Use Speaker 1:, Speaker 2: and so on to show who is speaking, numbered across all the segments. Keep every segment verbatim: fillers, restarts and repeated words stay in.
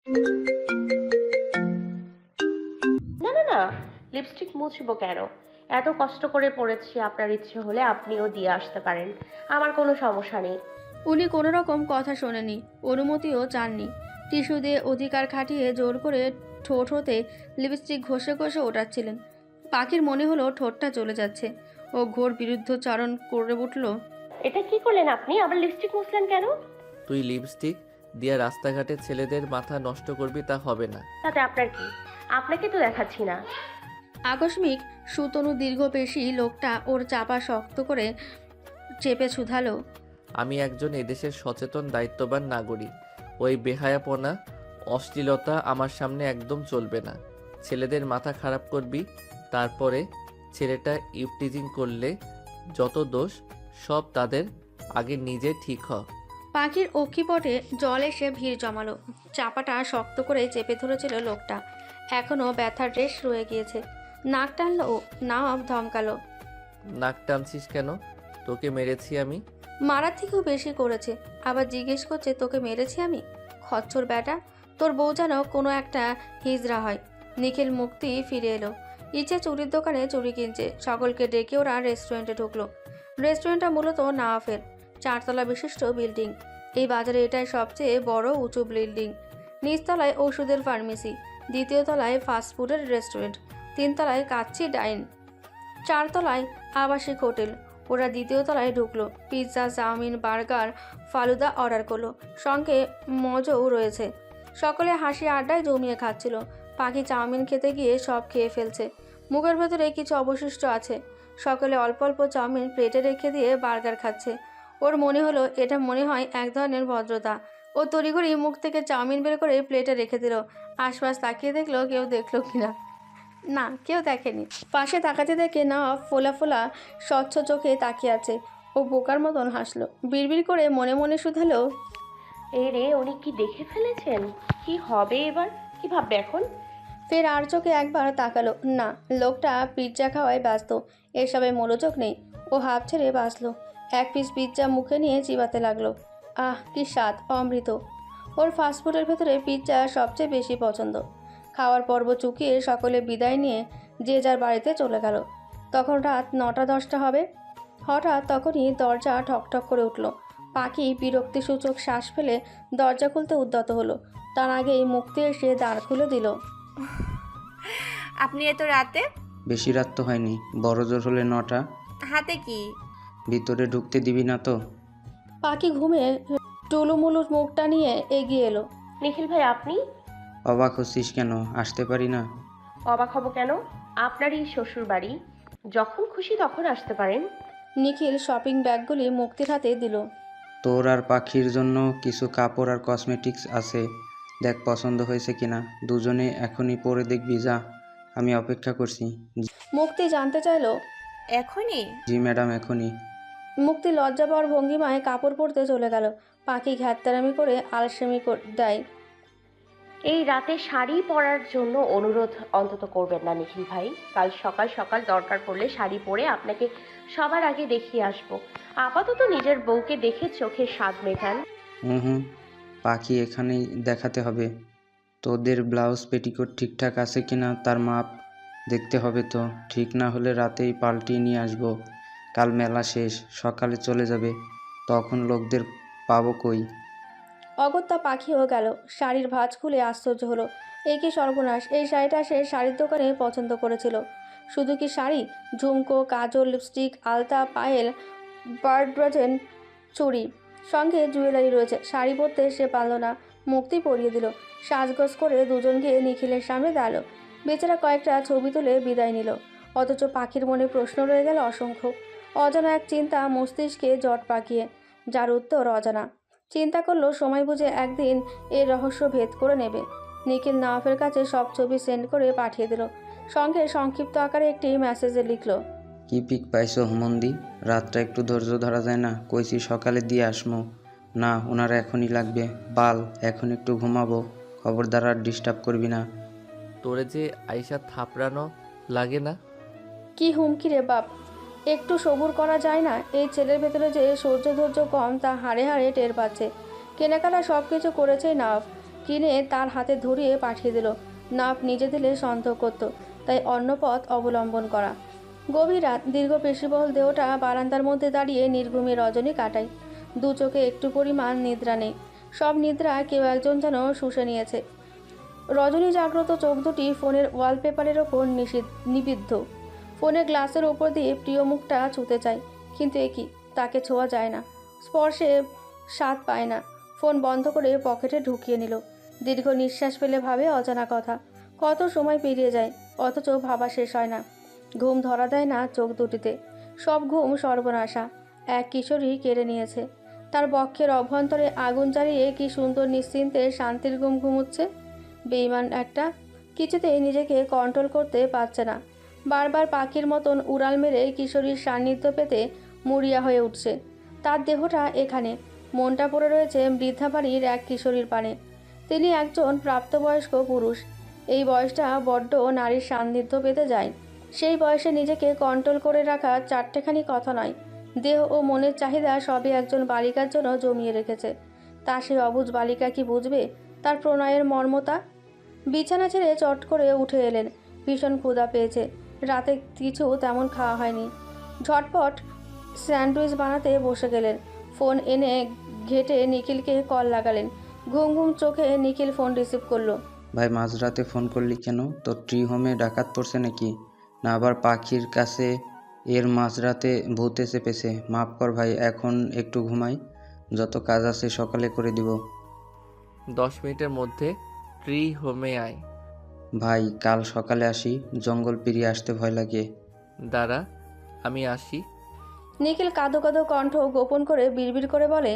Speaker 1: না না না, লিপস্টিক মুছবো কেন? এত কষ্ট করে পড়েছি, আপনার ইচ্ছে হলে আপনিও দিয়ে আসতে পারেন, আমার কোনো সমস্যা নেই।
Speaker 2: উনি কোনো রকম কথা শোনেনি, অনুমতিও চাননি। টিস্যু দিয়ে অধিকার খাটিয়ে জোর করে ঠোঁট হতে লিপস্টিক ঘষে ঘষে ওঠাচ্ছিলেন। পাখির মনে হলো ঠোঁটটা চলে যাচ্ছে। ও ঘোর বিরুদ্ধচারণ করে উঠল।
Speaker 1: এটা কি করলেন আপনি? আবার লিপস্টিক মুছলেন কেন?
Speaker 3: তুই লিপস্টিক দিয়ে রাস্তাঘাটে ছেলেদের মাথা নষ্ট করবি, তা হবে না।
Speaker 1: তাতে আপনার কি? আপনাকে তো দেখাচ্ছি না।
Speaker 2: আকস্মিক সুতনু দীর্ঘপেশী লোকটা ওর চাপা শক্ত করে চেপে শুধালো।
Speaker 3: আমি একজন এদেশের সচেতন দায়িত্ববান নাগরিক। ওই বেহায়াপনা, অশ্লীলতা আমার সামনে একদম চলবে না। ছেলেদের মাথা খারাপ করবি, তারপরে ছেলেটা ইভটিজিং করলে যত দোষ সব তাদের, আগে নিজে ঠিক হ।
Speaker 2: পাখির অক্ষিপটে জল এসে ভিড় জমালো। চাপাটা শক্ত করে চেপে ধরেছিল লোকটা। এখনও ব্যথার রেশ রয়ে গিয়েছে। নাক টানলো ও, নাও ধমকালো।
Speaker 3: নাক টানছিস কেন? তোকে মেরেছি আমি?
Speaker 2: মারার থেকেও বেশি করেছে। আবার জিজ্ঞেস করছে তোকে মেরেছি আমি? খচ্চর ব্যাটা, তোর বউ যেন কোনো একটা হিজড়া হয়। নিখিল মুক্তি ফিরে এলো। ইচ্ছে চুরির দোকানে চুরি কিনছে। সকলকে ডেকে ওরা রেস্টুরেন্টে ঢুকলো। রেস্টুরেন্টটা মূলত নাওয়াফের চারতলা বিশিষ্ট বিল্ডিং। এই বাজারে এটাই সবচেয়ে বড় উঁচু বিল্ডিং। নিচতলায় ওষুধের ফার্মেসি, দ্বিতীয় তলায় ফাস্টফুডের রেস্টুরেন্ট, তিনতলায় কাচ্চি ডাইন, চারতলায় আবাসিক হোটেল। ওরা দ্বিতীয় তলায় ঢুকলো। Pizza, chowmein, burger, falooda order করলো। সঙ্গে মজও রয়েছে। সকলে হাসি আড্ডায় জমিয়ে খাচ্ছিল। পাখি চাউমিন খেতে গিয়ে সব খেয়ে ফেলছে। মুখের ভেতরে কিছু অবশিষ্ট আছে। সকলে অল্প অল্প চাউমিন প্লেটে রেখে দিয়ে বার্গার খাচ্ছে। ওর মনে হলো এটা মনে হয় এক ধরনের ভদ্রতা। ও তড়িঘড়ি মুখ থেকে চাউমিন বের করে প্লেটে রেখে দিল। আশপাশ তাকিয়ে দেখলো কেউ দেখলো কিনা। না, কেউ দেখেনি। পাশে তাকাতে দেখে না ফোলা ফোলা স্বচ্ছ চোখে তাকিয়ে আছে। ও বোকার মতন হাসলো। বিড়বিড় করে মনে মনে শুধালো,
Speaker 1: এই রে, উনি কি দেখে ফেলেছেন? কি হবে এবার? কি ভাববে এখন?
Speaker 2: ফের আর চোখে একবার তাকালো। না, লোকটা পিৎজা খাওয়ায় ব্যস্ত। এসবে মনোযোগ নেই। ও হাফ ছেড়ে বাঁচলো। এক পিস পিৎজা মুখে নিয়ে চিবাতে লাগলো। আহ, কি স্বাদ, অমৃত। ওর ফাস্টফুডের ভেতরে পিৎজা সবচেয়ে বেশি পছন্দ। খাওয়ার পর্ব চুকিয়ে সকলে বিদায় নিয়ে যে যার বাড়িতে চলে গেল। তখন রাত নটা দশটা হবে। হঠাৎ তখনই দরজা ঠকঠক করে উঠল। পাখি বিরক্তিসূচক শ্বাস ফেলে দরজা খুলতে উদ্যত হলো। তার আগেই মুক্তি এসে দাঁড় খুলে দিল।
Speaker 4: আপনি এত রাতে?
Speaker 5: বেশি রাত তো হয়নি, বড় জোর হলে নটা।
Speaker 4: হাতে কি?
Speaker 5: ভিতরে ঢুকতে দিবি না তো?
Speaker 2: পাখি ঘুমে টুলুমুলু মুখটা নিয়ে এগিয়ে এলো।
Speaker 1: নিখিল ভাই, আপনি?
Speaker 5: অবাক হচ্ছিস কেন? আসতে পারি না?
Speaker 1: অবাক হব কেন? আপনারই শ্বশুর বাড়ি, যখন খুশি তখন আসতে পারেন।
Speaker 2: নিখিল শপিং ব্যাগগুলি মুক্তির হাতে দিল।
Speaker 5: তোর আর পাখির জন্য কিছু কাপড় আর কসমেটিক্স আছে, দেখ পছন্দ হয়েছে কিনা। দুজনে এখনই পরে দেখবি, যা, আমি অপেক্ষা করছি।
Speaker 2: মুক্তি জানতে চাইলো।
Speaker 4: এখনই?
Speaker 5: জি ম্যাডাম, এখনই।
Speaker 2: মুক্তি লজ্জা পাওয়ার ভঙ্গিমায় কাপড় পরতে চলে গেল। পাখি ঘ্যাত্তারামি করে আলসেমি দেয়।
Speaker 1: এই রাতে শাড়ি পরার জন্য অনুরোধ অন্তত করবেন না নিখিল ভাই। কাল সকাল সকাল দরকার পড়লে শাড়ি পরে আপনাকে সবার আগে দেখিয়ে আসবো। আপাতত নিজের বউকে দেখে চোখের স্বাদ মেটান।
Speaker 5: হুম হুম, পাখি এখানেই দেখাতে হবে। তোদের ব্লাউজ পেটিকোট ঠিকঠাক আছে কিনা তার মাপ দেখতে হবে তো। ঠিক না হলে রাতেই পাল্টিয়ে নিয়ে আসবো। কাল মেলা শেষ, সকালে চলে যাবে, তখন লোকদের পাবো কই?
Speaker 2: অগত্যা পাখিও গেল। শাড়ির ভাঁজ খুলে আশ্চর্য হলো। এই কি সর্বনাশ! এই শাড়িটা সে শাড়ির দোকানে পছন্দ করেছিল। শুধু কি শাড়ি, ঝুমকো, কাজল, লিপস্টিক, আলতা, পায়েল, বার্ডব্রাজেন, চুড়ি, সঙ্গে জুয়েলারি রয়েছে। শাড়ি পরতে সে পারল না। মুক্তি পরিয়ে দিল। সাজগোজ করে দুজন গিয়ে নিখিলের সামনে দাঁড়ালো। বেচারা কয়েকটা ছবি তুলে বিদায় নিল। অথচ পাখির মনে প্রশ্ন রয়ে গেল অসংখ্য। অজানা এক চিন্তা মস্তিষ্কে জট পাকিয়ে, যার উত্তর অজানা। চিন্তা করলো সময় বুঝে একদিন এর রহস্য ভেদ করে নেবে। নিখিল নওয়াফের কাছে সব ছবি সেন্ড করে পাঠিয়ে দিল। সঙ্গে সংক্ষিপ্ত আকারে একটি মেসেজে লিখল,
Speaker 5: কি পিক পাইছো হুমন্দি? রাতটা একটু ধৈর্য ধরা যায় না? কইছি সকালে দিয়ে আসমো। না, ওনারা এখনই লাগবে। বাল, এখন একটু ঘুমাবো। খবরদার আর ডিস্টার্ব করবি না।
Speaker 3: তোরে যে আইসা থাপড়ানো লাগে না?
Speaker 2: কি হুমকি রে বাপ! একটু সবুর করা যায় না? এই ছেলের ভেতরে যে সহ্য ধৈর্য কম তা হাড়ে হাড়ে টের পাচ্ছে। কেনাকাটা সব কিছু করেছেই নওয়াফ, কিনে তার হাতে ধরিয়ে পাঠিয়ে দিল। নাপ নিজে দিলে সন্দেহ করত, তাই অন্য পথ অবলম্বন করা। গভীর রাত, দীর্ঘ পেশিবহুল দেহটা বারান্দার মধ্যে দাঁড়িয়ে নির্ঘুমে রজনী কাটায়। দু চোখে একটু পরিমাণ নিদ্রা নেই, সব নিদ্রা কেউ একজন যেন শুষে নিয়েছে। রজনী জাগ্রত চোখ দুটি ফোনের ওয়ালপেপারের ওপর নিষিদ্ধ নিবিদ্ধ। ফোনের গ্লাসের ওপর দিয়ে প্রিয় মুখটা ছুঁতে চায়, কিন্তু এ কি, তাকে ছোঁয়া যায় না, স্পর্শে স্বাদ পায় না। ফোন বন্ধ করে পকেটে ঢুকিয়ে নিল। দীর্ঘ নিঃশ্বাস ফেলে ভাবে অজানা কথা। কত সময় পেরিয়ে যায়, অথচ ভাবা শেষ হয় না। ঘুম ধরা দেয় না চোখ দুটিতে, সব ঘুম সর্বনাশা। এক কিশোরী কেড়ে নিয়েছে। তার বক্ষের অভ্যন্তরে আগুন জ্বালিয়ে কি সুন্দর নিশ্চিন্তে শান্তির ঘুম ঘুমুচ্ছে। বেঈমান একটা, কিছুতেই নিজেকে কন্ট্রোল করতে পারছে না। বারবার পাখির মতন উড়াল মেরে কিশোরীর সান্নিধ্য পেতে মরিয়া হয়ে উঠছে। তার দেহটা এখানে, মনটা পড়ে রয়েছে বৃদ্ধা বাড়ির এক কিশোরীর পানে। তিনি একজন প্রাপ্তবয়স্ক পুরুষ। এই বয়সটা বড্ড নারীর সান্নিধ্য পেতে যায়। সেই বয়সে নিজেকে কন্ট্রোল করে রাখা চারটেখানি কথা নয়, দেহ ও মনের চাহিদা সবই একজন বালিকার জন্য জমিয়ে রেখেছে। তা সেই অবুঝ বালিকা কি বুঝবে তার প্রণয়ের মর্মতা? বিছানা ছেড়ে চট করে উঠে এলেন। ভীষণ ক্ষুধা পেয়েছে, রাতে কিছু তেমন খাওয়া হয়নি। ঝটপট স্যান্ডউইচ বানাতে বসে গেলেন। ফোন এনে ঘেটে নিখিলকে কল লাগালেন। ঘুম ঘুম চোখে নিখিল ফোন রিসিভ করলো।
Speaker 5: ভাই মাঝরাতে ফোন করলি কেন? তোর ট্রি হোমে ডাকাত পড়ছে নাকি? না আবার পাখির কাছে এর মাঝরাতে ভূত এসে পেছে? মাফ কর ভাই, এখন একটু ঘুমাই, যত কাজ আছে সকালে করে দিব।
Speaker 3: দশ মিনিটের মধ্যে ট্রি হোমে আয়।
Speaker 5: ভাই কাল সকালে আসি, জঙ্গল পেরিয়ে আসতে ভয় লাগে।
Speaker 3: দাঁড়া, আমি আসি।
Speaker 2: নিখিল কাঁদো কাঁদো কণ্ঠ গোপন করে বিড়বিড় করে বলে,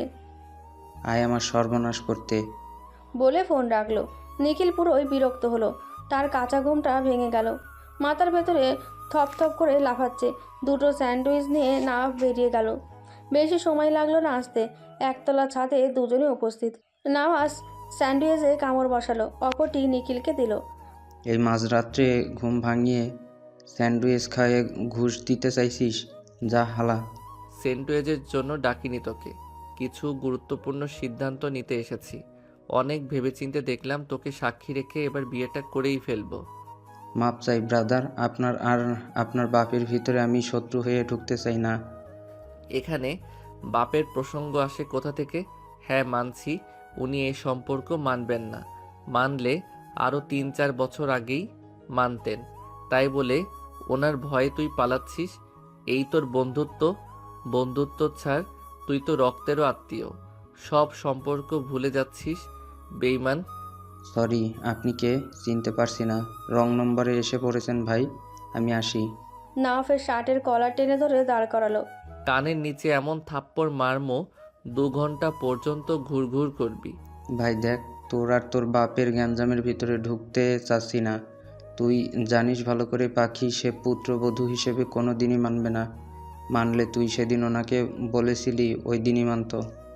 Speaker 5: আয় আমার সর্বনাশ করতে।
Speaker 2: বলে ফোন রাখলো। নিখিল পুরোই বিরক্ত হলো। তার কাঁচা ঘুমটা ভেঙে গেল। মাথার ভেতরে থপথপ করে লাফাচ্ছে। দুটো স্যান্ডউইচ নিয়ে না বেরিয়ে গেল। বেশি সময় লাগলো না আসতে। একতলা ছাদে দুজনে উপস্থিত। নাওয়াজ স্যান্ডউইচে কামড় বসালো, অপরটি নিখিলকে দিল।
Speaker 5: এই মাঝরাত্রে ঘুম ভাঙিয়ে স্যান্ডউইচ খাইয়ে ঘুষ দিতে চাইছিস? যা হালা।
Speaker 3: স্যান্ডউইচের জন্য ডাকিনি তোকে, কিছু গুরুত্বপূর্ণ সিদ্ধান্ত নিতে এসেছি। অনেক ভেবেচিন্তে দেখলাম তোকে সাক্ষী রেখে এবার বিয়েটা করেই ফেলবো।
Speaker 5: মাপ চাই ব্রাদার, আপনার আর আপনার বাপের ভিতরে আমি শত্রু হয়ে ঢুকতে চাই না।
Speaker 3: এখানে বাপের প্রসঙ্গ আসে কোথা থেকে? হ্যাঁ মানছি, উনি এই সম্পর্ক মানবেন না। মানলে আরও তিন চার বছর আগেই মানতেন। তাই বলে ওনার ভয়ে তুই পালাচ্ছিস? এই তোর বন্ধুত্ব? বন্ধুত্ব ছাড়, তুই তো রক্তেরও আত্মীয়। সব সম্পর্ক ভুলে যাচ্ছিস, বেইমান।
Speaker 5: সরি, আপনি কে চিনতে পারছি না। রং নম্বরে এসে পড়েছেন ভাই, আমি আসি।
Speaker 2: নাওয়াফের শার্টের কলার টেনে ধরে দাঁড় করালো।
Speaker 3: কানের নিচে এমন থাপ্পড় মারমো দু ঘন্টা পর্যন্ত ঘুরঘুর করবি।
Speaker 5: ভাই দেখ, তোর আর তোর বাপের গ্যাঞ্জামের ভিতরে ঢুকতে চাচ্ছি না। তুই জানিস ভালো করে পাখি সে পুত্রবধূ হিসেবে কোনো দিনই মানবে না। মানলে তুই সেদিন ওনাকে বলেছিলি ওই দিনই মানত।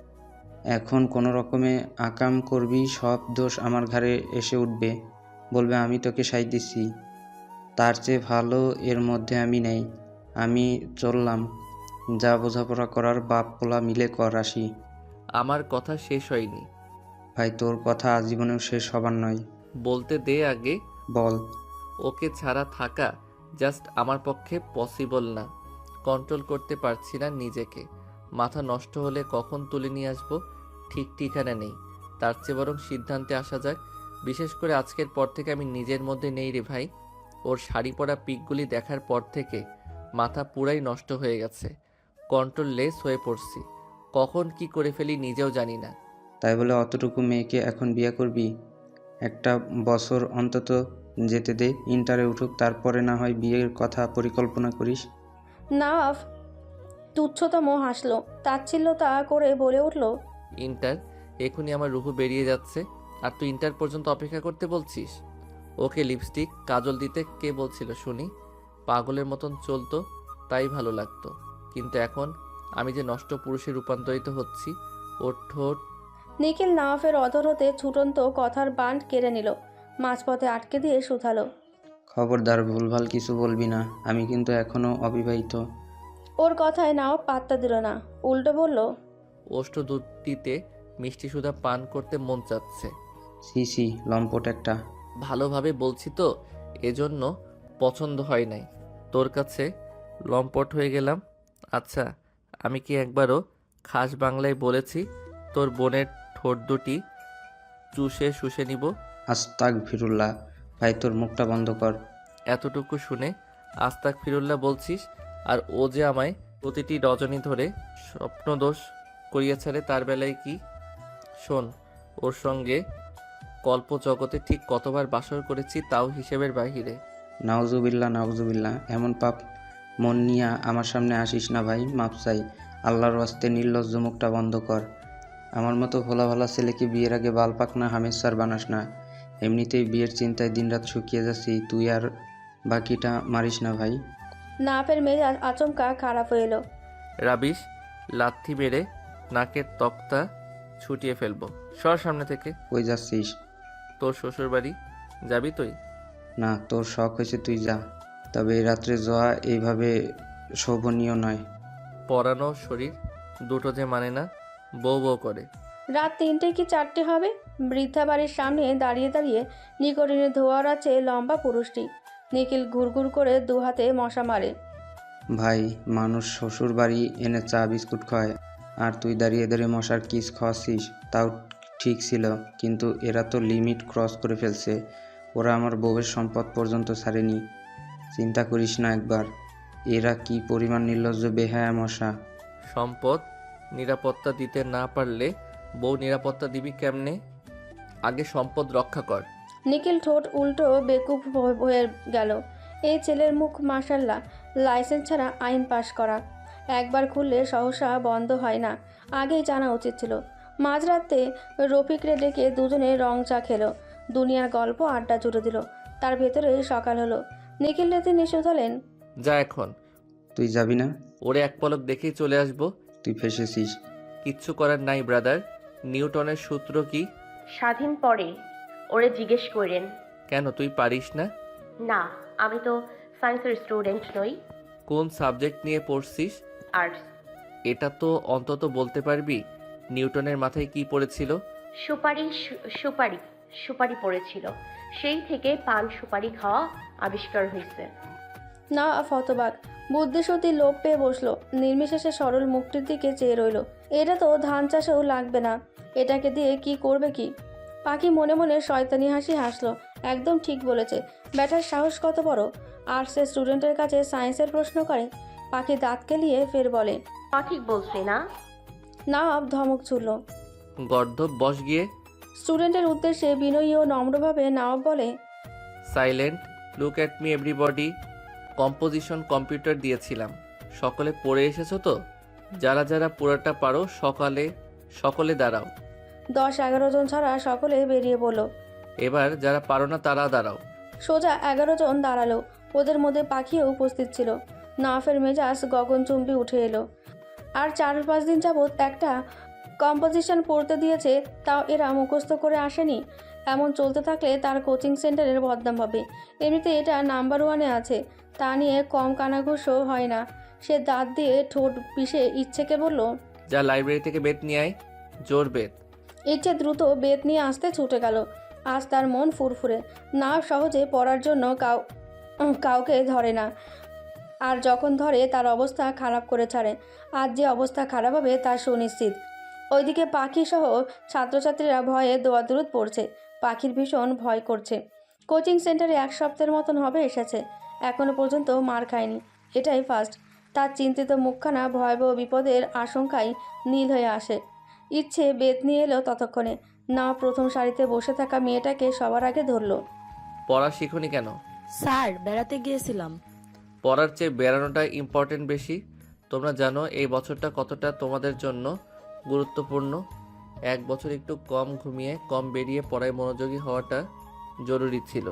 Speaker 5: এখন কোনো রকমে আকাম করবি, সব দোষ আমার ঘাড়ে এসে উঠবে। বলবে আমি তোকে সাই দিছি। তার চেয়ে ভালো এর মধ্যে আমি নেই। আমি চললাম, যা বোঝাপড়া করার বাপ পোলা মিলে কর, আসি।
Speaker 3: আমার কথা শেষ হয়নি।
Speaker 5: ভাই তোর কথা আজীবনেও শেষ হবার নয়।
Speaker 3: বলতে দে আগে।
Speaker 5: বল।
Speaker 3: ওকে ছাড়া থাকা জাস্ট আমার পক্ষে পসিবল না। কন্ট্রোল করতে পারছি না নিজেকে। মাথা নষ্ট হলে কখন তুলে নিয়ে আসবো ঠিক ঠিকানা নেই। তার চেয়ে বরং সিদ্ধান্তে আসা যাক। বিশেষ করে আজকের পর থেকে আমি নিজের মধ্যে নেই রে ভাই। ওর শাড়ি পরা পিকগুলি দেখার পর থেকে মাথা পুরাই নষ্ট হয়ে গেছে। কন্ট্রোল লেস হয়ে পড়ছি। কখন কি করে ফেলি নিজেও জানি না।
Speaker 5: তাই বলে অতটুকু মেয়েকে এখন বিয়ে করবি? একটা বছর অন্তত যেতে দে, ইন্টারে উঠুক, তারপরে না হয় বিয়ের কথা পরিকল্পনা করিস।
Speaker 2: নাওয়াফ তুচ্ছতম হাসলো, তাচ্ছিল্যতা করে বলে উঠল,
Speaker 3: ইন্টার? এখনই আমার রুহু বেরিয়ে যাচ্ছে, আর তুই ইন্টার পর্যন্ত অপেক্ষা করতে বলছিস? ওকে লিপস্টিক কাজল দিতে কে বলছিল শুনি? পাগলের মতন চলতো, তাই ভালো লাগতো। কিন্তু এখন আমি যে নষ্ট পুরুষে রূপান্তরিত হচ্ছি। ওর ঠোঁট।
Speaker 2: নিখিল নাওয়াফের অধর হতে ছুটন্ত কথার বান্ড কেড়ে নিল, মাঝপথে আটকে দিয়ে শুধালো।
Speaker 5: খবরদার ভুলভাল কিছু বলবি না, আমি কিন্তু এখনো অবিবাহিত।
Speaker 2: ওর কথায় নাওয়াফ পাত্তা দিল না, উল্টো বলল,
Speaker 3: ওষ্ঠ দুধটিতে মিষ্টি সুধা পান করতে মন চাচ্ছে।
Speaker 5: সি সি লম্পট একটা।
Speaker 3: ভালোভাবে বলছি তো, এজন্য পছন্দ হয় নাই। তোর কাছে লম্পট হয়ে গেলাম। আচ্ছা, আমি কি একবারও খাস বাংলায় বলেছি তোর বোনের ঠোঁট দুটি চুষে শুষে নিব?
Speaker 5: আস্তাক ফিরুল্লাহ, ভাই তোর মুখটা বন্ধ কর।
Speaker 3: এতটুকু শুনে আস্তাক ফিরুল্লাহ বলছিস, আর ও যে আমায় প্রতিটি রজনী ধরে স্বপ্নদোষ করিয়া ছাড়ে, তার বেলায় কি? শোন, ওর সঙ্গে কল্প জগতে ঠিক কতবার বাসর করেছি তাও হিসেবের বাহিরে।
Speaker 5: নাউজুবিল্লাহ নাউজুবিল্লাহ, এমন পাপ মন নিয়া আমার সামনে আসিস না ভাই, মাপ চাই। আল্লাহর ওয়াস্তে নির্লজ্জ মুখটা বন্ধ কর। আমার মতো ভোলা ভালা ছেলেকে বিয়ের আগে বাল পাকনা হামেশার বানাস না। এমনিতেই বিয়ের চিন্তায় দিনরাত শুকিয়ে যাচ্ছি, তুই আর বাকিটা মারিস না ভাই।
Speaker 2: নাফের মেজাজ আচমকা খারাপ হয়ে এলো।
Speaker 3: রাবিশ, লাথি মেরে নাকের তক্তা ছুটিয়ে ফেলবো। সর সামনে থেকে।
Speaker 5: কই যাচ্ছিস?
Speaker 3: তোর শ্বশুর বাড়ি যাবি তুই?
Speaker 5: না, তোর শখ হয়েছে তুই যা, তবে এই রাত্রে যাওয়া এইভাবে শোভনীয় নয়।
Speaker 3: পরানো শরীর দুটো যে মানে না, বউ বউ করে।
Speaker 2: রাত তিনটে কি চারটে হবে। বৃদ্ধা বাড়ির সামনে দাঁড়িয়ে দাঁড়িয়ে নিকটিনে ধোয়ার আছে লম্বা পুরুষটি। নিখিল ঘুরঘুর করে দু হাতে মশা মারে।
Speaker 5: ভাই, মানুষ শ্বশুর বাড়ি এনে চা বিস্কুট খায়, আর তুই দাঁড়িয়ে দাঁড়িয়ে মশার কিস খাওয়াচ্ছিস, তাও ঠিক ছিল, কিন্তু এরা তো লিমিট ক্রস করে ফেলছে। ওরা আমার বউয়ের সম্পদ পর্যন্ত ছাড়েনি। চিন্তা করিস না একবার, এরা কি পরিমাণ নির্লজ্জ বেহায়া মশা।
Speaker 3: সম্পদ নিরাপত্তা দিতে না পারলে বউ নিরাপত্তা দিবি কেমনে? আগে সম্পদ রক্ষা কর।
Speaker 2: নিখিল ঠোঁট উল্টো বেকুব হয়ে গেল। এই ছেলের মুখ মাশাল্লাহ, লাইসেন্স ছাড়া আইন পাশ করা। একবার খুললে সহসা বন্ধ হয় না, আগেই জানা উচিত ছিল। মাঝরাতে রফিকরে ডেকে দুজনে রং চা খেলো, দুনিয়ার গল্প আড্ডা জুড়ে দিল। তার ভেতরে সকাল হলো। নিখিল রাতে নিষেধ হলেন,
Speaker 3: যা এখন।
Speaker 5: তুই যাবি না?
Speaker 3: ওরে এক পলক দেখেই চলে আসবো।
Speaker 5: তুই ফেসেছিস।
Speaker 3: কিচ্ছু করার নাই ব্রাদার। নিউটনের সূত্র কি?
Speaker 1: স্বাধীন পরে ওরে জিজ্ঞেস করেন।
Speaker 3: কেন, তুই পারিস না?
Speaker 1: না, আমি তো সায়েন্সের স্টুডেন্ট নই।
Speaker 3: কোন সাবজেক্ট নিয়ে পড়ছিস?
Speaker 1: আর্টস।
Speaker 3: এটা তো অন্তত বলতে পারবি নিউটনের মাথায় কি পড়েছিল?
Speaker 1: সুপারি সু- সুপারি সুপারি পড়েছিল। সেই থেকে পান সুপারি খাওয়া আবিষ্কার হয়েছে।
Speaker 2: না ফতবাক বুদ্ধিসতী লোপ পেয়ে বসলো। নির্বিশেষে সরল মুখটির দিকে চেয়ে রইল। এটা তো ধান চাষেও লাগবে না, এটাকে দিয়ে কি করবে কি? পাখি মনে মনে শয়তানি হাসি হাসলো। একদম ঠিক বলেছে, ব্যাটার সাহস কত বড়, আর্টসের স্টুডেন্টের কাছে সায়েন্সের প্রশ্ন করে। পাখি দাঁত কেলিয়ে ফের বলে,
Speaker 1: তা ঠিক বলছি না?
Speaker 2: না ধমক ছুড়ল।
Speaker 3: গর্ধব বস গিয়ে।
Speaker 2: স্টুডেন্টের উদ্দেশ্যে বিনয়ী ও নম্রভাবে নওয়াব বলে,
Speaker 3: silent, look at me everybody. Composition computer দিয়েছিলাম, সকলে পড়ে এসেছো তো? যারা যারা পুরোটা পারো সকালে সকলে দাঁড়াও।
Speaker 2: দশ এগারো জন ছাড়া সকলে বেরিয়ে পড়ল।
Speaker 3: এবার যারা পারো না তারা দাঁড়াও।
Speaker 2: সোজা এগারো জন দাঁড়ালো। ওদের মধ্যে পাখিও উপস্থিত ছিল। নাফের মেজাজ গগনচুম্বী উঠে এলো। আর চার পাঁচ দিন যাবৎ একটা কম্পোজিশন পড়তে দিয়েছে, তাও এরা মুখস্থ করে আসেনি। এমন চলতে থাকলে তার কোচিং সেন্টারের বদনাম হবে। এমনিতে এটা নাম্বার ওয়ানে আছে, তা নিয়ে কম কানাঘুষো হয় না। সে দাঁত দিয়ে ঠোঁট পিষে ইচ্ছেকে বলল,
Speaker 3: যা লাইব্রেরি থেকে বেত নিয়ে আয়, জোর বেত।
Speaker 2: ইচ্ছে দ্রুত বেত নিয়ে আসতে ছুটে গেল। আজ তার মন ফুরফুরে। না সহজে পড়ার জন্য কাউ কাউকে ধরে না, আর যখন ধরে তার অবস্থা খারাপ করে ছাড়ে। আজ যে অবস্থা খারাপ হবে তা সুনিশ্চিত। ওইদিকে পাখি সহ ছাত্রছাত্রীরা ভয়ে দোয়াদুরুদ পড়ছে। পাখির ভীষণ ভয় করছে। কোচিং সেন্টারে এক সপ্তাহের মতন হবে এসেছে, এখনও পর্যন্ত মার খায়নি, এটাই ফার্স্ট। তার চিন্তিত মুখখানা ভয়াবহ বিপদের আশঙ্কায় নীল হয়ে আসে। ইচ্ছে বেত নিয়ে এলো ততক্ষণে। না প্রথম সারিতে বসে থাকা মেয়েটাকে সবার আগে ধরলো।
Speaker 3: পড়া শিখুনি কেন?
Speaker 6: স্যার বেড়াতে গিয়েছিলাম।
Speaker 3: পড়ার চেয়ে বেড়ানোটা ইম্পর্টেন্ট বেশি। তোমরা জানো এই বছরটা কতটা তোমাদের জন্য গুরুত্বপূর্ণ। এক বছর একটু কম ঘুমিয়ে কম বেরিয়ে পড়ায় মনোযোগী হওয়াটা জরুরি ছিল,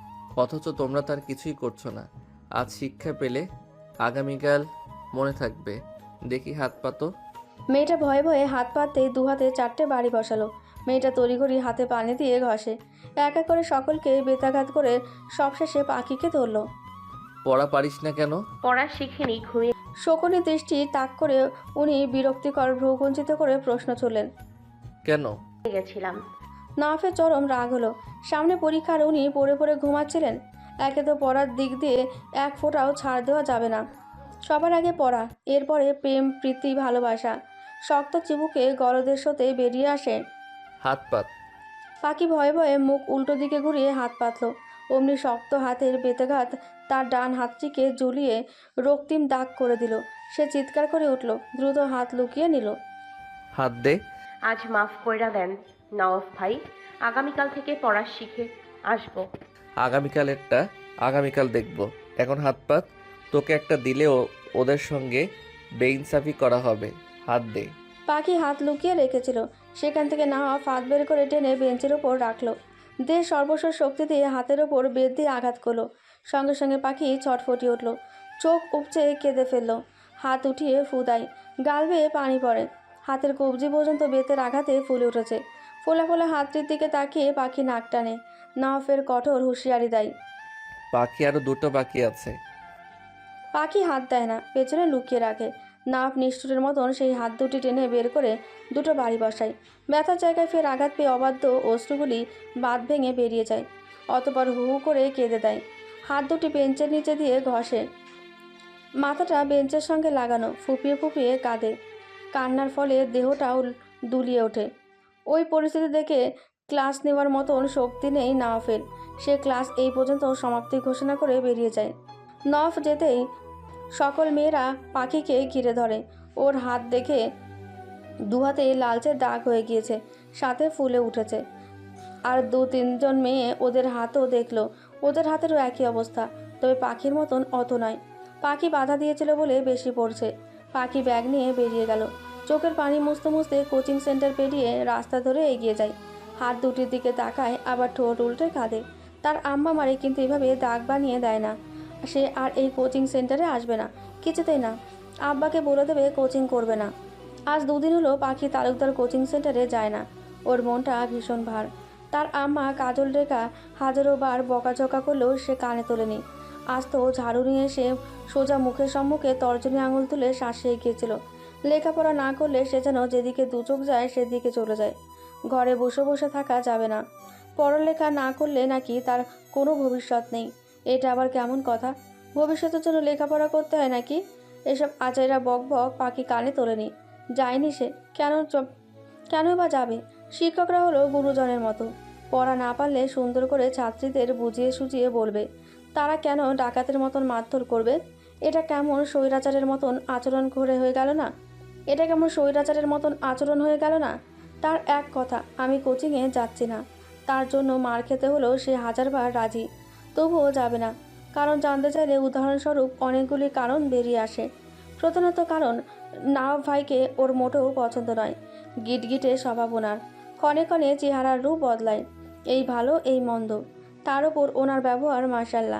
Speaker 3: অথচ তোমরা তার কিছুই করছো না। আজ শিক্ষা পেলে আগামীকাল মনে থাকবে। দেখি হাত পাতো।
Speaker 2: মেয়েটা ভয়ে ভয়ে হাত পাততেই দু হাতে চারটে বাড়ি বসালো। মেয়েটা তড়িঘড়ি হাতে পানি দিয়ে ঘষে। এক এক করে সকলকে বেতাঘাত করে সবশেষে পাখিকে ধরলো।
Speaker 3: পড়া পারিস না কেন?
Speaker 1: পড়া শিখিনি, ঘুমিয়ে
Speaker 2: শকুনি দৃষ্টি তাক করে উনি বিরক্তিকর ভ্রুকুঞ্চিত করে প্রশ্ন ছুড়লেন।
Speaker 3: কেন?
Speaker 1: গেছিলাম।
Speaker 2: নওয়াফের চরম রাগ হলো। সামনে পরীক্ষার উনি পড়ে পড়ে ঘুমাচ্ছিলেন। একে তো পড়ার দিক দিয়ে এক ফোঁটাও ছাড় দেওয়া যাবে না। সবার আগে পড়া, এরপরে প্রেম, প্রীতি, ভালোবাসা। শক্ত চিবুকে গলদের সাথে বেরিয়ে আসে।
Speaker 3: হাত পাত।
Speaker 2: পাখি ভয়ে ভয়ে মুখ উল্টো দিকে ঘুরিয়ে হাত পাতল। অমনি শক্ত হাতের বেতাঘাত তার ডান হাতটিকে ঝুলিয়ে রক্তিম দাগ করে দিল। সে চিৎকার করে উঠল, দ্রুত হাত লুকিয়ে নিল।
Speaker 3: হাত দে।
Speaker 1: আজ মাফ কইরা দেন নওয়াফ ভাই, আগামীকাল থেকে পড়া শিখে আসবো।
Speaker 3: আগামীকালেরটা আগামীকাল দেখব। এখন হাত পাত। তোকে একটা দিলেও ওদের সঙ্গে বেইনসাফি করা হবে। হাত দে।
Speaker 2: পাখি হাত লুকিয়ে রেখেছিল, সেখান থেকে নওয়াফ হাত বের করে টেনে বেঞ্চের ওপর রাখলো। দেহ সর্বস্ব শক্তি দিয়ে হাতের ওপর বেত দিয়ে আঘাত করলো। সঙ্গে সঙ্গে পাখি ছটফটিয়ে উঠল, চোখ উপচে কেঁদে ফেলল। হাত উঠিয়ে ফুদায়, গাল বেয়ে পানি পড়ে। হাতের কবজি পর্যন্ত বেতের আঘাতে ফুলে উঠেছে। ফোলা ফোলা হাতটির দিকে তাকিয়ে পাখি নাক টানে। নওয়াফের কঠোর হুঁশিয়ারি দেয়।
Speaker 3: বাকি আরো দুটো বাকি আছে।
Speaker 2: পাখি হাত দেয় না, পেছনে লুকিয়ে রাখে। নাফ নিষ্ঠুরের মতন সেই হাত দুটি টেনে বের করে দুটো বাড়ি বসায়। ব্যথার জায়গায় ফের আঘাত পেয়ে অবাধ্য অশ্রুগুলি বাঁধ ভেঙে বেরিয়ে যায়। অতপর হু হু করে কেঁদে দেয়। হাত দুটি বেঞ্চের নিচে দিয়ে ঘষে, মাথাটা বেঞ্চের সঙ্গে লাগানো, ফুপিয়ে ফুপিয়ে কাঁদে। কান্নার ফলে দেহটাও দুলিয়ে ওঠে। ওই পরিস্থিতি দেখে ক্লাস নেওয়ার মতন শক্তি নেই নওয়াফের। সে ক্লাস এই পর্যন্ত সমাপ্তি ঘোষণা করে বেরিয়ে যায়। নওয়াফ যেতেই সকল মেয়েরা পাখিকে ঘিরে ধরে। ওর হাত দেখে দুহাতে লালচে দাগ হয়ে গিয়েছে, সাথে ফুলে উঠেছে। আর দু তিনজন মেয়ে ওদের হাতও দেখলো, ওদের হাতেরও একই অবস্থা, তবে পাখির মতন অত নয়। পাখি বাধা দিয়েছিল বলে বেশি পড়ছে। পাখি ব্যাগ নিয়ে বেরিয়ে গেল। চোখের পানি মুছতে মুছতে কোচিং সেন্টার পেরিয়ে রাস্তা ধরে এগিয়ে যায়। হাত দুটির দিকে তাকায়, আবার ঠোঁট উল্টে কাঁদে। তার আম্মা মারে কিন্তু এভাবে দাগ বানিয়ে দেয় না। সে আর এই কোচিং সেন্টারে আসবে না, কিছুতেই না। আব্বাকে বলে দেবে কোচিং করবে না। আজ দুদিন হলো পাখি তালুকদার কোচিং সেন্টারে যায় না। ওর মনটা ভীষণ ভার। তার আম্মা কাজল রেখা হাজারো বার বকাঝকা করলেও সে কানে তোলেনি। আজ তো ঝাড়ু নিয়ে এসে সোজা মুখের সম্মুখে তর্জনী আঙুল তুলে শাসিয়ে গিয়েছিল। লেখাপড়া না করলে সে যেন যেদিকে দু চোখ যায় সেদিকে চলে যায়। ঘরে বসে বসে থাকা যাবে না। পড়ালেখা না করলে নাকি তার কোনো ভবিষ্যৎ নেই। এটা আবার কেমন কথা? ভবিষ্যতের জন্য লেখাপড়া করতে হয় নাকি? এসব আচাইরা বক বক পাখি কানে তোলেনি। যায়নি সে, কেন কেন বা যাবে? শিক্ষকরা হলো গুরুজনের মতো। পড়া না পারলে সুন্দর করে ছাত্রীদের বুঝিয়ে সুঝিয়ে বলবে। তারা কেন ডাকাতের মতন মারধর করবে? এটা কেমন স্বৈরাচারের মতন আচরণ করে হয়ে গেল না? এটা কেমন স্বৈরাচারের মতন আচরণ হয়ে গেল না? তার এক কথা, আমি কোচিংয়ে যাচ্ছি না। তার জন্য মার খেতে হলেও সে হাজারবার রাজি, তবুও যাবে না। কারণ জানতে চাইলে উদাহরণস্বরূপ অনেকগুলি কারণ বেরিয়ে আসে। প্রধানত কারণ, নওয়াফ ভাইকে ওর মোটেও পছন্দ নয়। গিটগিটে স্বভাব ওনার, ক্ষণে ক্ষণে চেহারার রূপ বদলায়, এই ভালো এই মন্দ। তার ওপর ওনার ব্যবহার মাশাল্লাহ।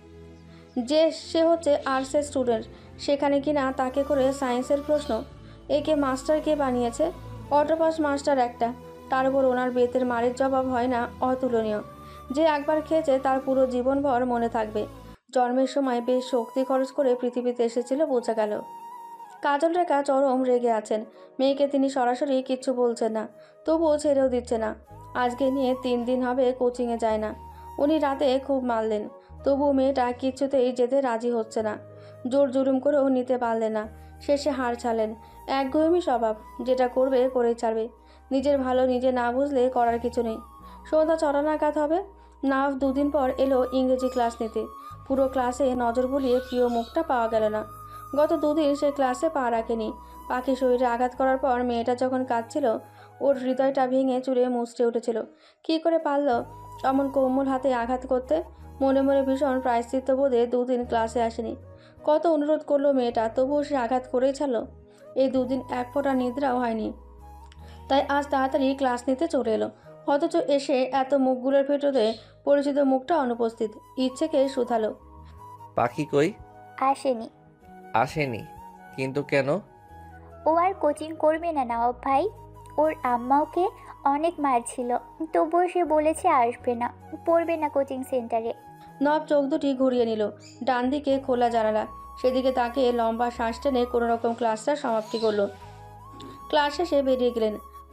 Speaker 2: যে সে হচ্ছে আর্টসের স্টুডেন্ট, সেখানে কিনা তাকে করে সায়েন্সের প্রশ্ন। একে মাস্টার কে বানিয়েছে? অটোপাস মাস্টার একটা। তার উপর ওনার বেতের মারের জবাব হয় না অতুলনীয়। যে একবার খেয়েছে তার পুরো জীবনভর মনে থাকবে। জন্মের সময় বেশ শক্তি খরচ করে পৃথিবীতে এসেছিল, বোঝা গেল। কাজল রেখা চরম রেগে আছেন। মেয়েকে তিনি সরাসরি কিচ্ছু বলছেন না, তবুও ছেড়েও দিচ্ছে না। আজকে নিয়ে তিন দিন হবে কোচিংয়ে যায় না। উনি রাতে খুব মারলেন, তবুও মেয়েটা কিছুতেই যেতে রাজি হচ্ছে না। জোর জুলুম করেও নিতে পারলেন না। শেষে হার ছাড়লেন। একগুঁয়েমি স্বভাব, যেটা করবে করেই ছাড়বে। নিজের ভালো নিজে না বুঝলে করার কিছু নেই। সন্ধ্যা ছটা নাগাদ হবে। নাফ দুদিন পর এলো ইংরেজি ক্লাস নিতে। পুরো ক্লাসে নজর বুলিয়ে প্রিয় মুখটা পাওয়া গেল না। গত দুদিন সে ক্লাসে পা রাখেনি। পাখি শরীরে আঘাত করার পর মেয়েটা যখন কাঁদছিল, ওর হৃদয়টা ভেঙে চুরে মুচড়ে উঠেছিল। কী করে পারল অমন কোমল হাতে আঘাত করতে? মনে মনে ভীষণ প্রায়শ্চিত্ত বোধে দুদিন ক্লাসে আসেনি। কত অনুরোধ করলো মেয়েটা, তবুও সে আঘাত করেই ছাড়ল। এই দুদিন এক ফোঁটা নিদ্রাও হয়নি। তাই আজ তাড়াতাড়ি ক্লাস নিতে চলে এলো। অথচ এসে এত মুখগুলোর ভেতরে পরিচিত মুখটা অনুপস্থিত। ইচ্ছেকে শুধালো,
Speaker 3: পাখি কই?
Speaker 7: আসেনি।
Speaker 3: আসেনি? কিন্তু কেন?
Speaker 7: ও আর কোচিং করবে না নওয়াব ভাই। ওর আম্মা ওকে অনেক মারছিল, তবুও সে বলেছে আসবে না, পড়বে না কোচিং সেন্টারে।
Speaker 2: নব চোখ দুটি ঘুরিয়ে নিল। ডান দিকে খোলা জানালা, সেদিকে তাকে লম্বা শ্বাস টেনে কোনো রকম ক্লাসটা সমাপ্তি করলো। ক্লাস শেষে বেরিয়ে গেলেন।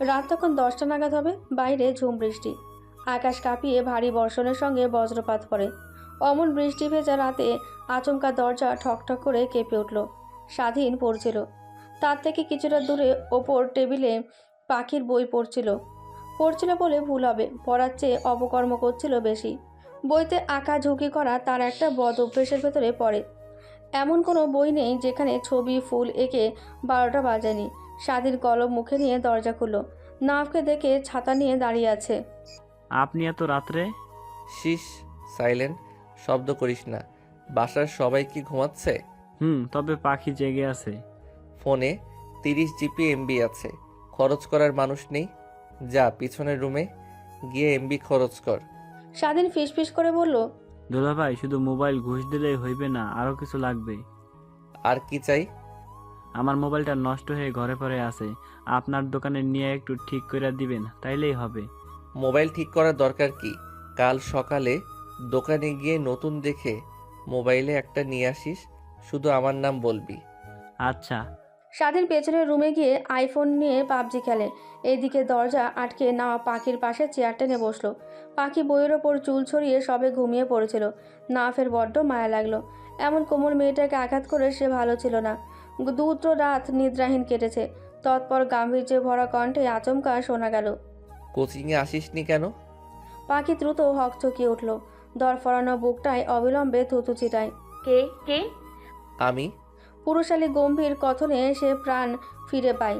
Speaker 2: রাত তখন দশটা নাগাদ হবে। বাইরে ঝুম বৃষ্টি, আকাশ কাঁপিয়ে ভারী বর্ষণের সঙ্গে বজ্রপাত পড়ে। অমন বৃষ্টি ভেজা রাতে আচমকা দরজা ঠকঠক করে কেঁপে উঠল। স্বাধীন পড়ছিল। তার থেকে কিছুটা দূরে ওপর টেবিলে পাখির বই পড়ছিল। পড়ছিল বলে ভুল হবে, পড়ার চেয়ে অপকর্ম করছিল বেশি। বইতে আঁকা ঝুঁকি করা তার একটা বদ অভ্যেসের ভেতরে পড়ে। এমন কোনো বই নেই যেখানে ছবি ফুল এঁকে বারোটা বাজায়নি। স্বাধীন কলম মুখে নিয়ে দরজা খুলল। নাফকে দেখে ছাতা নিয়ে দাঁড়িয়ে আছে।
Speaker 8: আপনি এত রাত্রে?
Speaker 3: শিস, সাইলেন্ট, শব্দ করিস না। বাসার সবাই কি ঘুমাচ্ছে?
Speaker 8: হুম, তবে পাখি জেগে আছে।
Speaker 3: ফোনে তিরিশ জিবি এমবি আছে, খরচ করার মানুষ নেই। যা পিছনের রুমে গিয়ে এমবি খরচ কর।
Speaker 2: স্বাধীন ফিসফিস করে বলল,
Speaker 8: দুলাভাই, শুধু মোবাইল ঘুষ দিলেই হইবে না, আরও কিছু লাগবে।
Speaker 3: আর কি চাই?
Speaker 8: আমার মোবাইলটা নষ্ট হয়ে ঘরে পড়ে আছে, আপনার দোকানে নিয়ে একটু ঠিক করে দিবেন, তাইলেই হবে।
Speaker 3: মোবাইল ঠিক করার দরকার কি? কাল সকালে দোকানে গিয়ে নতুন দেখে মোবাইলে একটা নিয়ে আসিস, শুধু আমার নাম বলবি।
Speaker 8: আচ্ছা।
Speaker 2: স্বাধীন পেছনের রুমে গিয়ে আইফোন নিয়ে পাবজি খেলে। এইদিকে দরজা আটকে নেওয়া পাখির পাশে চেয়ার টেনে বসলো। পাখি বইয়ের ওপর চুল ছড়িয়ে সবে ঘুমিয়ে পড়েছিল। নাফের বড্ড মায়া লাগলো। এমন কোমল মেয়েটাকে আঘাত করে সে ভালো ছিল না। দুটো রাত নিদ্রাহীন কেটেছে। তৎপর গাম্ভীর্যে ভরা কণ্ঠে আচমকা শোনা গেল,
Speaker 3: কোচিংয়ে আসিসনি কেন?
Speaker 2: পাখি দ্রুত হকচকিয়ে উঠল। দরফরানো বুকটায় অবিলম্বে থুতু ছিটায়।
Speaker 1: কে কে
Speaker 3: আমি।
Speaker 2: পুরুষালী গম্ভীর কথনে সে প্রাণ ফিরে পায়।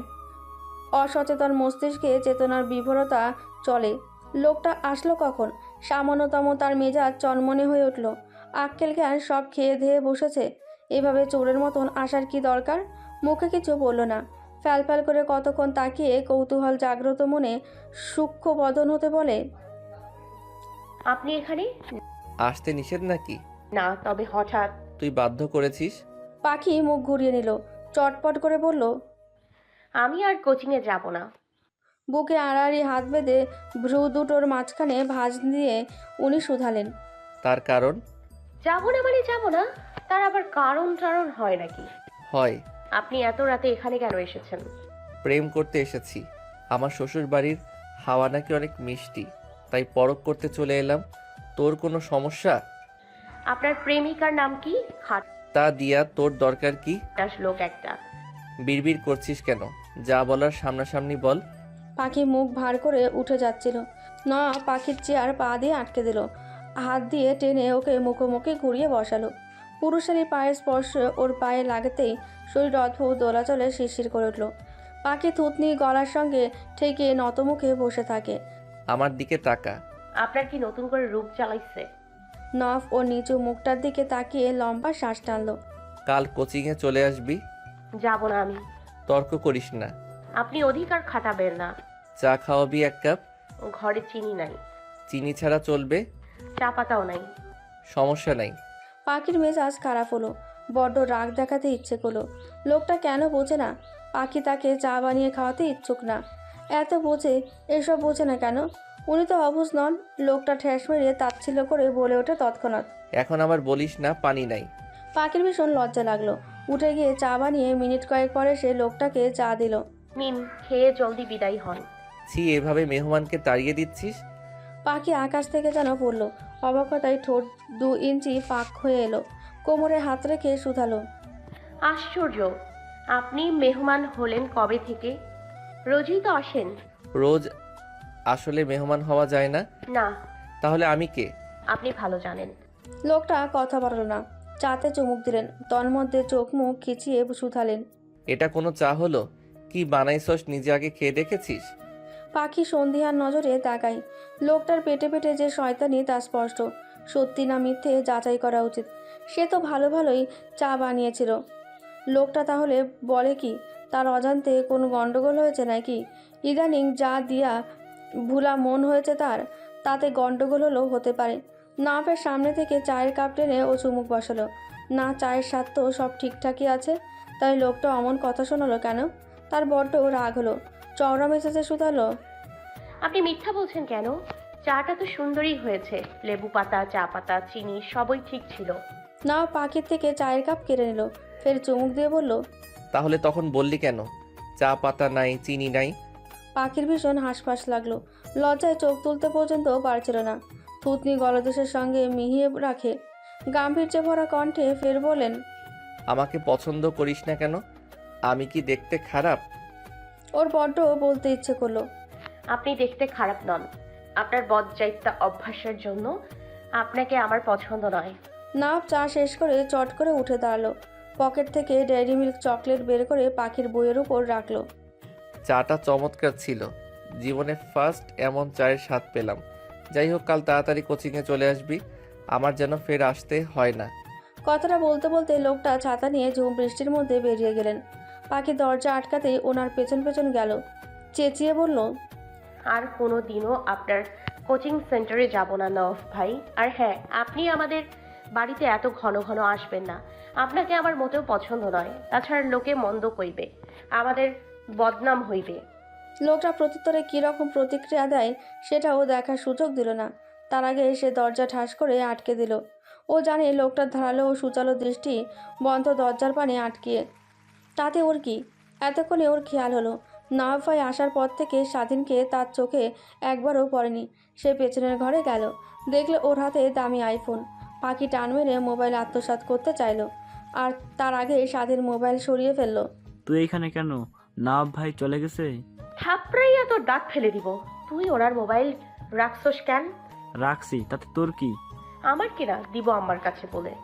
Speaker 2: অসচেতন মস্তিষ্কে চেতনার বিভরতা চলে। লোকটা আসলো কখন? সামান্যতম তার মেজাজ চনমনে হয়ে উঠল। আক্কেল জ্ঞান সব খেয়ে ধেয়ে বসেছে। এভাবে চোরের মতন আসার কি দরকার? মুখে কিছু বলল না। ফ্যালফ্যাল করে কতক্ষণ তাকিয়ে কৌতূহল জাগ্রত মনে সূক্ষ্ম বদন হতে বলে,
Speaker 1: আপনি এখানে?
Speaker 3: আসতে নিষেধ নাকি?
Speaker 1: না, তবে হঠাৎ।
Speaker 3: তুই বাধ্য করেছিস।
Speaker 2: পাখি মুখ ঘুরিয়ে নিল। চটপট করে বলল,
Speaker 1: আমি আর কোচিংয়ে যাব না।
Speaker 2: বুকে আড়াআড়ি হাত বেঁধে ভ্রু দুটোর মাঝখানে ভাঁজ দিয়ে উনি শুধালেন,
Speaker 3: তার কারণ?
Speaker 1: যাব না মানে যাব না, তার আবার কারণ টারণ হয় নাকি?
Speaker 3: হয়।
Speaker 1: আপনি এত রাতে এখানে কেন এসেছেন?
Speaker 3: প্রেম করতে এসেছি। আমার শ্বশুর বাড়ির হাওয়া নাকি অনেক মিষ্টি, তাই পরখ করতে চলে এলাম। তোর কোনো সমস্যা?
Speaker 1: আপনার প্রেমিকার নাম কি?
Speaker 3: তা দিয়া তোর দরকার কি?
Speaker 1: খাটাস লোক একটা।
Speaker 3: বিড়বিড় করছিস কেন? যা বলার সামনাসামনি বল।
Speaker 2: পাখি মুখ ভার করে উঠে যাচ্ছিল। না, পাখির চেয়ার পা দিয়ে আটকে দিল। হাত দিয়ে টেনে ওকে মুখোমুখি ঘুরিয়ে বসালো। পুরুষালী পায়ের স্পর্শ ওর পায়ে লাগতেই শরীর অদ্ভুত দোলাচলে শিরশির করে উঠল। পাখি থুতনি গলার সঙ্গে ঠেকে নতমুখে বসে থাকে।
Speaker 3: আমার দিকে তাকা।
Speaker 1: আপনার কি নতুন করে রূপ চালাইছে?
Speaker 2: নফ ওর নিচু মুখটার দিকে তাকিয়ে লম্বা শ্বাস টানলো।
Speaker 3: কাল কোচিংয়ে চলে আসবি।
Speaker 1: যাব না আমি।
Speaker 3: তর্ক করিস না।
Speaker 1: আপনি অধিকার খাটাবেন না।
Speaker 3: চা খাওয়াবি এক কাপ?
Speaker 1: ঘরে চিনি নাই।
Speaker 3: চিনি ছাড়া চলবে?
Speaker 1: চা পাতাও নাই।
Speaker 3: সমস্যা নাই।
Speaker 2: পাখির মেজাজ খারাপ হলো। বড্ড রাগ দেখাতে ইচ্ছে করলো। লোকটা কেন বোঝে না? পাখি তাকে চা বানিয়ে খাওয়াতে ইচ্ছুক না। এত বোঝে, এসব বোঝে না কেন? উনি তো অবুঝ নন। লোকটা ঠেস মেরে তাচ্ছিল্য করে বলে ওঠে তৎক্ষণাৎ,
Speaker 3: এখন আবার বলিস না পানি নাই।
Speaker 2: পাখির ভীষণ লজ্জা লাগলো। উঠে গিয়ে চা বানিয়ে মিনিট কয়েক পরে সে লোকটাকে চা দিল।
Speaker 1: নিন, খেয়ে জলদি বিদায় হন।
Speaker 3: ছি, এভাবে মেহমানকে তাড়িয়ে দিচ্ছিস?
Speaker 2: পাখি আকাশ থেকে যেন পড়লো। অবাকতায় ঠোঁট দু ইঞ্চি ফাঁক হয়ে এলো। কোমরে হাত রেখে শুধালো,
Speaker 1: আশ্চর্য, আপনি মেহমান হলেন কবে থেকে? রোজই তো আসেন।
Speaker 3: রোজ আসলে মেহমান হওয়া যায় না।
Speaker 1: না।
Speaker 3: তাহলে আমি কে?
Speaker 1: আপনি ভালো জানেন।
Speaker 2: লোকটা কথা বাড়ল না। চাতে চুমুক দিলেন। তন্মধ্যে চোখ মুখ খিচিয়ে শুধালেন,
Speaker 3: এটা কোনো চা হলো? কি বানাইছস নিজে আগে খেয়ে দেখেছিস?
Speaker 2: পাখি সন্ধিহান নজরে তাকাই। লোকটার পেটে পেটে যে শয়তানি তা স্পষ্ট। সত্যি না মিথ্যে যাচাই করা উচিত। সে তো ভালো ভালোই চা বানিয়েছিল। লোকটা তাহলে বলে কি? তার অজান্তে কোনো গন্ডগোল হয়েছে নাকি? ইদানিং যা দিয়া ভুলা মন হয়েছে তার, তাতে গন্ডগোল হলেও হতে পারে। নাফের সামনে থেকে চায়ের কাপ টেনে ও চুমুক বসালো। না, চায়ের স্বাদ তো সব ঠিকঠাকই আছে। তাই লোকটা অমন কথা শোনালো কেন? তার বড্ড রাগ হলো। চওড়া মেসেজে শুধালো,
Speaker 1: আপনি মিথ্যা বলছেন কেন? চাটা তো সুন্দরই হয়েছে। লেবু পাতা, চা পাতা, চিনি সবই ঠিক ছিল।
Speaker 2: না, পাখির থেকে চায়ের কাপ কেড়ে নিল। ফের চুমুক দিয়ে বলল,
Speaker 3: তাহলে তখন বললি কেন চা পাতা নাই, চিনি নাই?
Speaker 2: পাখির ভীষণ হাঁসফাঁস লাগলো। লজ্জায় চোখ তুলতে পর্যন্ত পারছিল না। থুতনি গলদেশের সঙ্গে মিহিয়ে রাখে গাম্ভীর্যে ভরা কণ্ঠে ফের বলেন,
Speaker 3: আমাকে পছন্দ করিস না কেন? আমি কি দেখতে খারাপ?
Speaker 2: ওর বড্ড বলতে ইচ্ছে করলো।
Speaker 1: আপনি দেখতে খারাপ নন, আপনার বদজাইত্যা অভ্যাসের জন্য আপনাকে আমার পছন্দ নয়।
Speaker 2: নাফ চা শেষ করে চট করে উঠে দাঁড়ালো। পকেট থেকে ডেয়ারি মিল্ক চকলেট বের করে পাখির বইয়ের উপর রাখলো।
Speaker 3: চাটা চমৎকার ছিল, জীবনে ফার্স্ট এমন চায়ের স্বাদ পেলাম। যাই হোক, কাল তাড়াতাড়ি কোচিংয়ে চলে আসবি, আমার যেন ফের আসতে হয় না।
Speaker 2: কথাটা বলতে বলতে লোকটা ছাতা নিয়ে ঝুম বৃষ্টির মধ্যে বেরিয়ে গেলেন। পাখি দরজা আটকাতেই ওনার পেছন পেছন গেল। চেঁচিয়ে বলল,
Speaker 1: আর কোনো দিনও আপনার কোচিং সেন্টারে যাব না নওয়াব ভাই। আর হ্যাঁ, আপনি আমাদের বাড়িতে এত ঘন ঘন আসবেন না, আপনাকে আমার মোটেও পছন্দ নয়। তাছাড়া লোকে মন্দ কইবে, আমাদের বদনাম হইবে।
Speaker 2: লোকটা প্রত্যুত্তরে কীরকম প্রতিক্রিয়া দেয় সেটাও দেখার সুযোগ দিল না। তার আগে সে দরজা ঠাস করে আটকে দিল। ও জানে লোকটার ধারালো ও সুচালো দৃষ্টি বন্ধ দরজার পানে আটকিয়ে। তাতে ওর কি? এতক্ষণে ওর খেয়াল হলো নওয়াব ভাই আসার পর থেকে স্বাধীনকে তার চোখে একবারও পড়েনি। সে পেছনের ঘরে গেল, দেখলে ওর হাতে দামি আইফোন। পাখি টান মেরে মোবাইল আত্মসাৎ করতে চাইলো, আর তার আগে স্বাধীন মোবাইল সরিয়ে ফেললো।
Speaker 8: তুই এখানে কেন? নওয়াব ভাই চলে গেছে?
Speaker 1: থাপড়াইয়া তোর দাঁত ফেলে দিব। তুই ওনার মোবাইল রাখছস কেন?
Speaker 8: রাখছি, তাতে তোর কি?
Speaker 1: আমার কিনা দিব আমার কাছে বলে।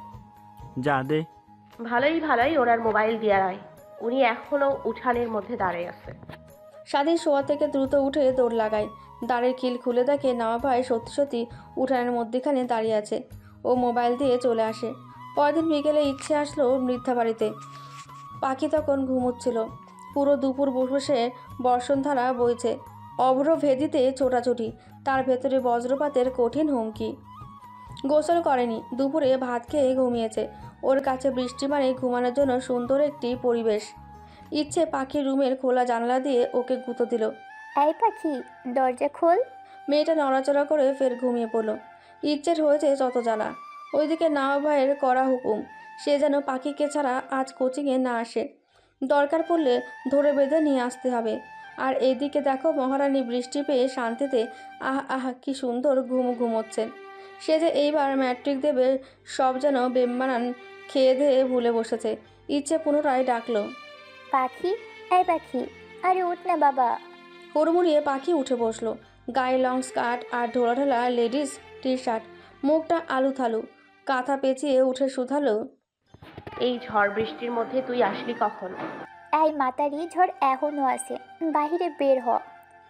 Speaker 8: যা দে।
Speaker 1: ভালোই ভালোই ওনার মোবাইল দিয়া রায়, উনি এখনো উঠানের মধ্যে দাঁড়িয়ে আছে।
Speaker 2: স্বাধীন শোয়া থেকে দ্রুত উঠে দৌড় লাগায়। দাঁড়ের খিল খুলে দেখে নওয়াব ভাই সত্যি সত্যি উঠানের মধ্যেখানে দাঁড়িয়ে আছে। ও মোবাইল দিয়ে চলে আসে। পরদিন বিকেলে ইচ্ছে আসলো মৃদ্ধা বাড়িতে। পাখি তখন ঘুমোচ্ছিল। পুরো দুপুর বসে বর্ষণধারা বইছে। অভ্র ভেদিতে ছোটাছুটি, তার ভেতরে বজ্রপাতের কঠিন হুমকি। গোসল করেনি, দুপুরে ভাত খেয়ে ঘুমিয়েছে। ওর কাছে বৃষ্টি মানে ঘুমানোর জন্য সুন্দর একটি পরিবেশ। ইচ্ছে পাখির রুমের খোলা জানালা দিয়ে ওকে গুঁতো দিল।
Speaker 7: এই পাখি, দরজা খোল।
Speaker 2: মেয়েটা নড়াচড়া করে ফের ঘুমিয়ে পড়ল। ইচ্ছের হয়েছে যত জ্বালা। ওইদিকে নওয়াব ভাইয়ের কড়া হুকুম, সে যেন পাখিকে ছাড়া আজ কোচিংয়ে না আসে। দরকার পড়লে ধরে বেঁধে নিয়ে আসতে হবে। আর এদিকে দেখো মহারানী বৃষ্টি পেয়ে শান্তিতে আহ আহ কি সুন্দর ঘুম ঘুমোচ্ছেন। সে যে এইবার ম্যাট্রিক দেবে সব যেন বেম্বানান খেয়ে ধেয়ে ভুলে বসেছে। ইচ্ছে পুনরায় ডাকলো,
Speaker 7: পাখি, এই পাখি, আরে উঠ না বাবা।
Speaker 2: হুড়মুড়িয়ে পাখি উঠে বসলো। গায়ে লং স্কার্ট আর ঢোলাঢালা লেডিস টি শার্ট, মুখটা আলু থালু, কাঁথা পেঁচিয়ে উঠে শুধালো,
Speaker 1: এই ঝড় বৃষ্টির মধ্যে তুই আসলি কখন?
Speaker 7: এই মাতারি, ঝড় এখনো আছে, বাহিরে বের হ।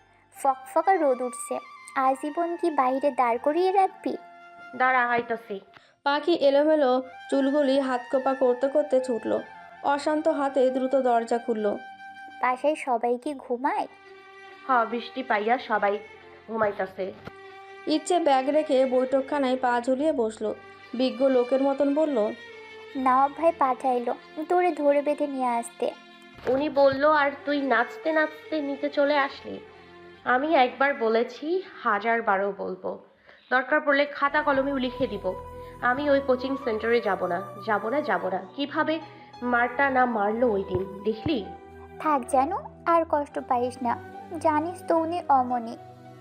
Speaker 7: ফকফকা রোদ উঠছে, আজীবন কি বাহিরে দাঁড় করিয়ে রাখবি?
Speaker 1: দাঁড়া, আইতাছি।
Speaker 2: পাখি এলোমেলো চুলগুলি হাতকোপা করতে করতে ছুটল। অশান্ত হাতে দ্রুত দরজা খুলল।
Speaker 7: বাসায় সবাই কি ঘুমায়?
Speaker 1: হ, বৃষ্টি পাইয়া সবাই ঘুমাইতাছে।
Speaker 2: ইচ্ছে ব্যাগ রেখে বৈঠকখানায় পা ঝুলিয়ে বসলো। বিজ্ঞ লোকের মতন বলল,
Speaker 7: নওয়াব ভাই পাঠাইলো তোরে ধরে বেঁধে নিয়ে আসতে।
Speaker 1: উনি বলল আর তুই নাচতে নাচতে নিতে চলে আসলি। আমি একবার বলেছি, হাজার বারও বলবো, দরকার পড়লে খাতা কলমেও লিখে দিব আমি ওই কোচিং সেন্টারে যাব না, যাব না, যাব না। কিভাবে মারটা না মারলো ওই দিন, দেখলি?
Speaker 7: থাক জানো, আর কষ্ট পাইস না, জানিস তো উনি অমনি।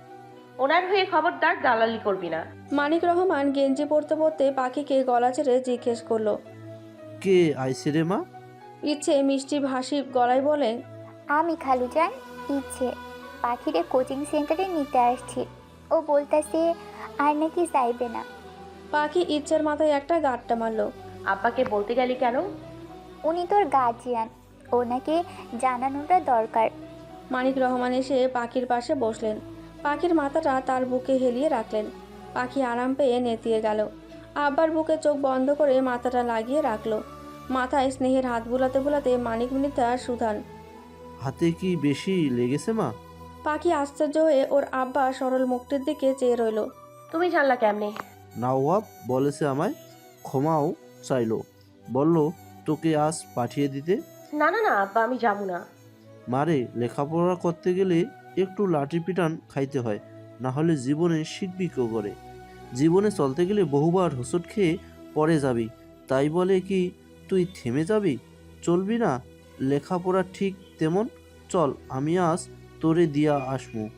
Speaker 1: ওনার হয়ে খবরদার দালালি করবি না।
Speaker 2: মানিক রহমান গেঞ্জি পরতে পরতে পাখিকে গলা ছেড়ে জিজ্ঞেস করলো,
Speaker 9: কে আইসে রে মা?
Speaker 2: ইচ্ছে মিষ্টি ভাসি গলায় বলে,
Speaker 7: আমি খালুজান, ইচ্ছে পাখিরে কোচিং সেন্টারে নিতে আসছি। ও বলতেছে আর নাকি চাইবে না।
Speaker 2: পাখি ইচ্ছের মাথায় একটা গাঁটটা মারল।
Speaker 1: আব্বাকে বলতে গেলি কেন?
Speaker 7: উনি তোর গার্জিয়ান, ওনাকে জানানোটা দরকার।
Speaker 2: মানিক রহমান এসে পাখির পাশে বসলেন। পাখির মাথাটা তার বুকে হেলিয়ে রাখলেন। পাখি আরাম পেয়ে নেতিয়ে গেল। আব্বার বুকে চোখ বন্ধ করে মাথাটা লাগিয়ে রাখলো। মাথায় স্নেহের হাত বুলাতে বুলাতে মানিক মৃতা সুধান,
Speaker 9: হাতে কি বেশি লেগেছে মা?
Speaker 2: পাখি আশ্চর্য হয়ে ওর আব্বা সরল মুখটির দিকে চেয়ে রইল।
Speaker 1: তুমি জানলা কেমনে?
Speaker 9: নওয়াব বলেছে আমায়, ক্ষমাও চাইলো, বলল তোকে আজ পাঠিয়ে দিতে।
Speaker 1: না না না আব্বা, আমি যাবো না।
Speaker 9: মারে, লেখাপড়া করতে গেলে একটু লাঠি পিটান খাইতে হয়, না হলে জীবনে শিখবি কেউ করে। জীবনে চলতে গেলে বহুবার হোঁচট খেয়ে পড়ে যাবি, তাই বলে কি তুই থেমে যাবি? চলবি না? লেখাপড়া ঠিক তেমন। চল, আমি আজ তোরে দিয়া আসমু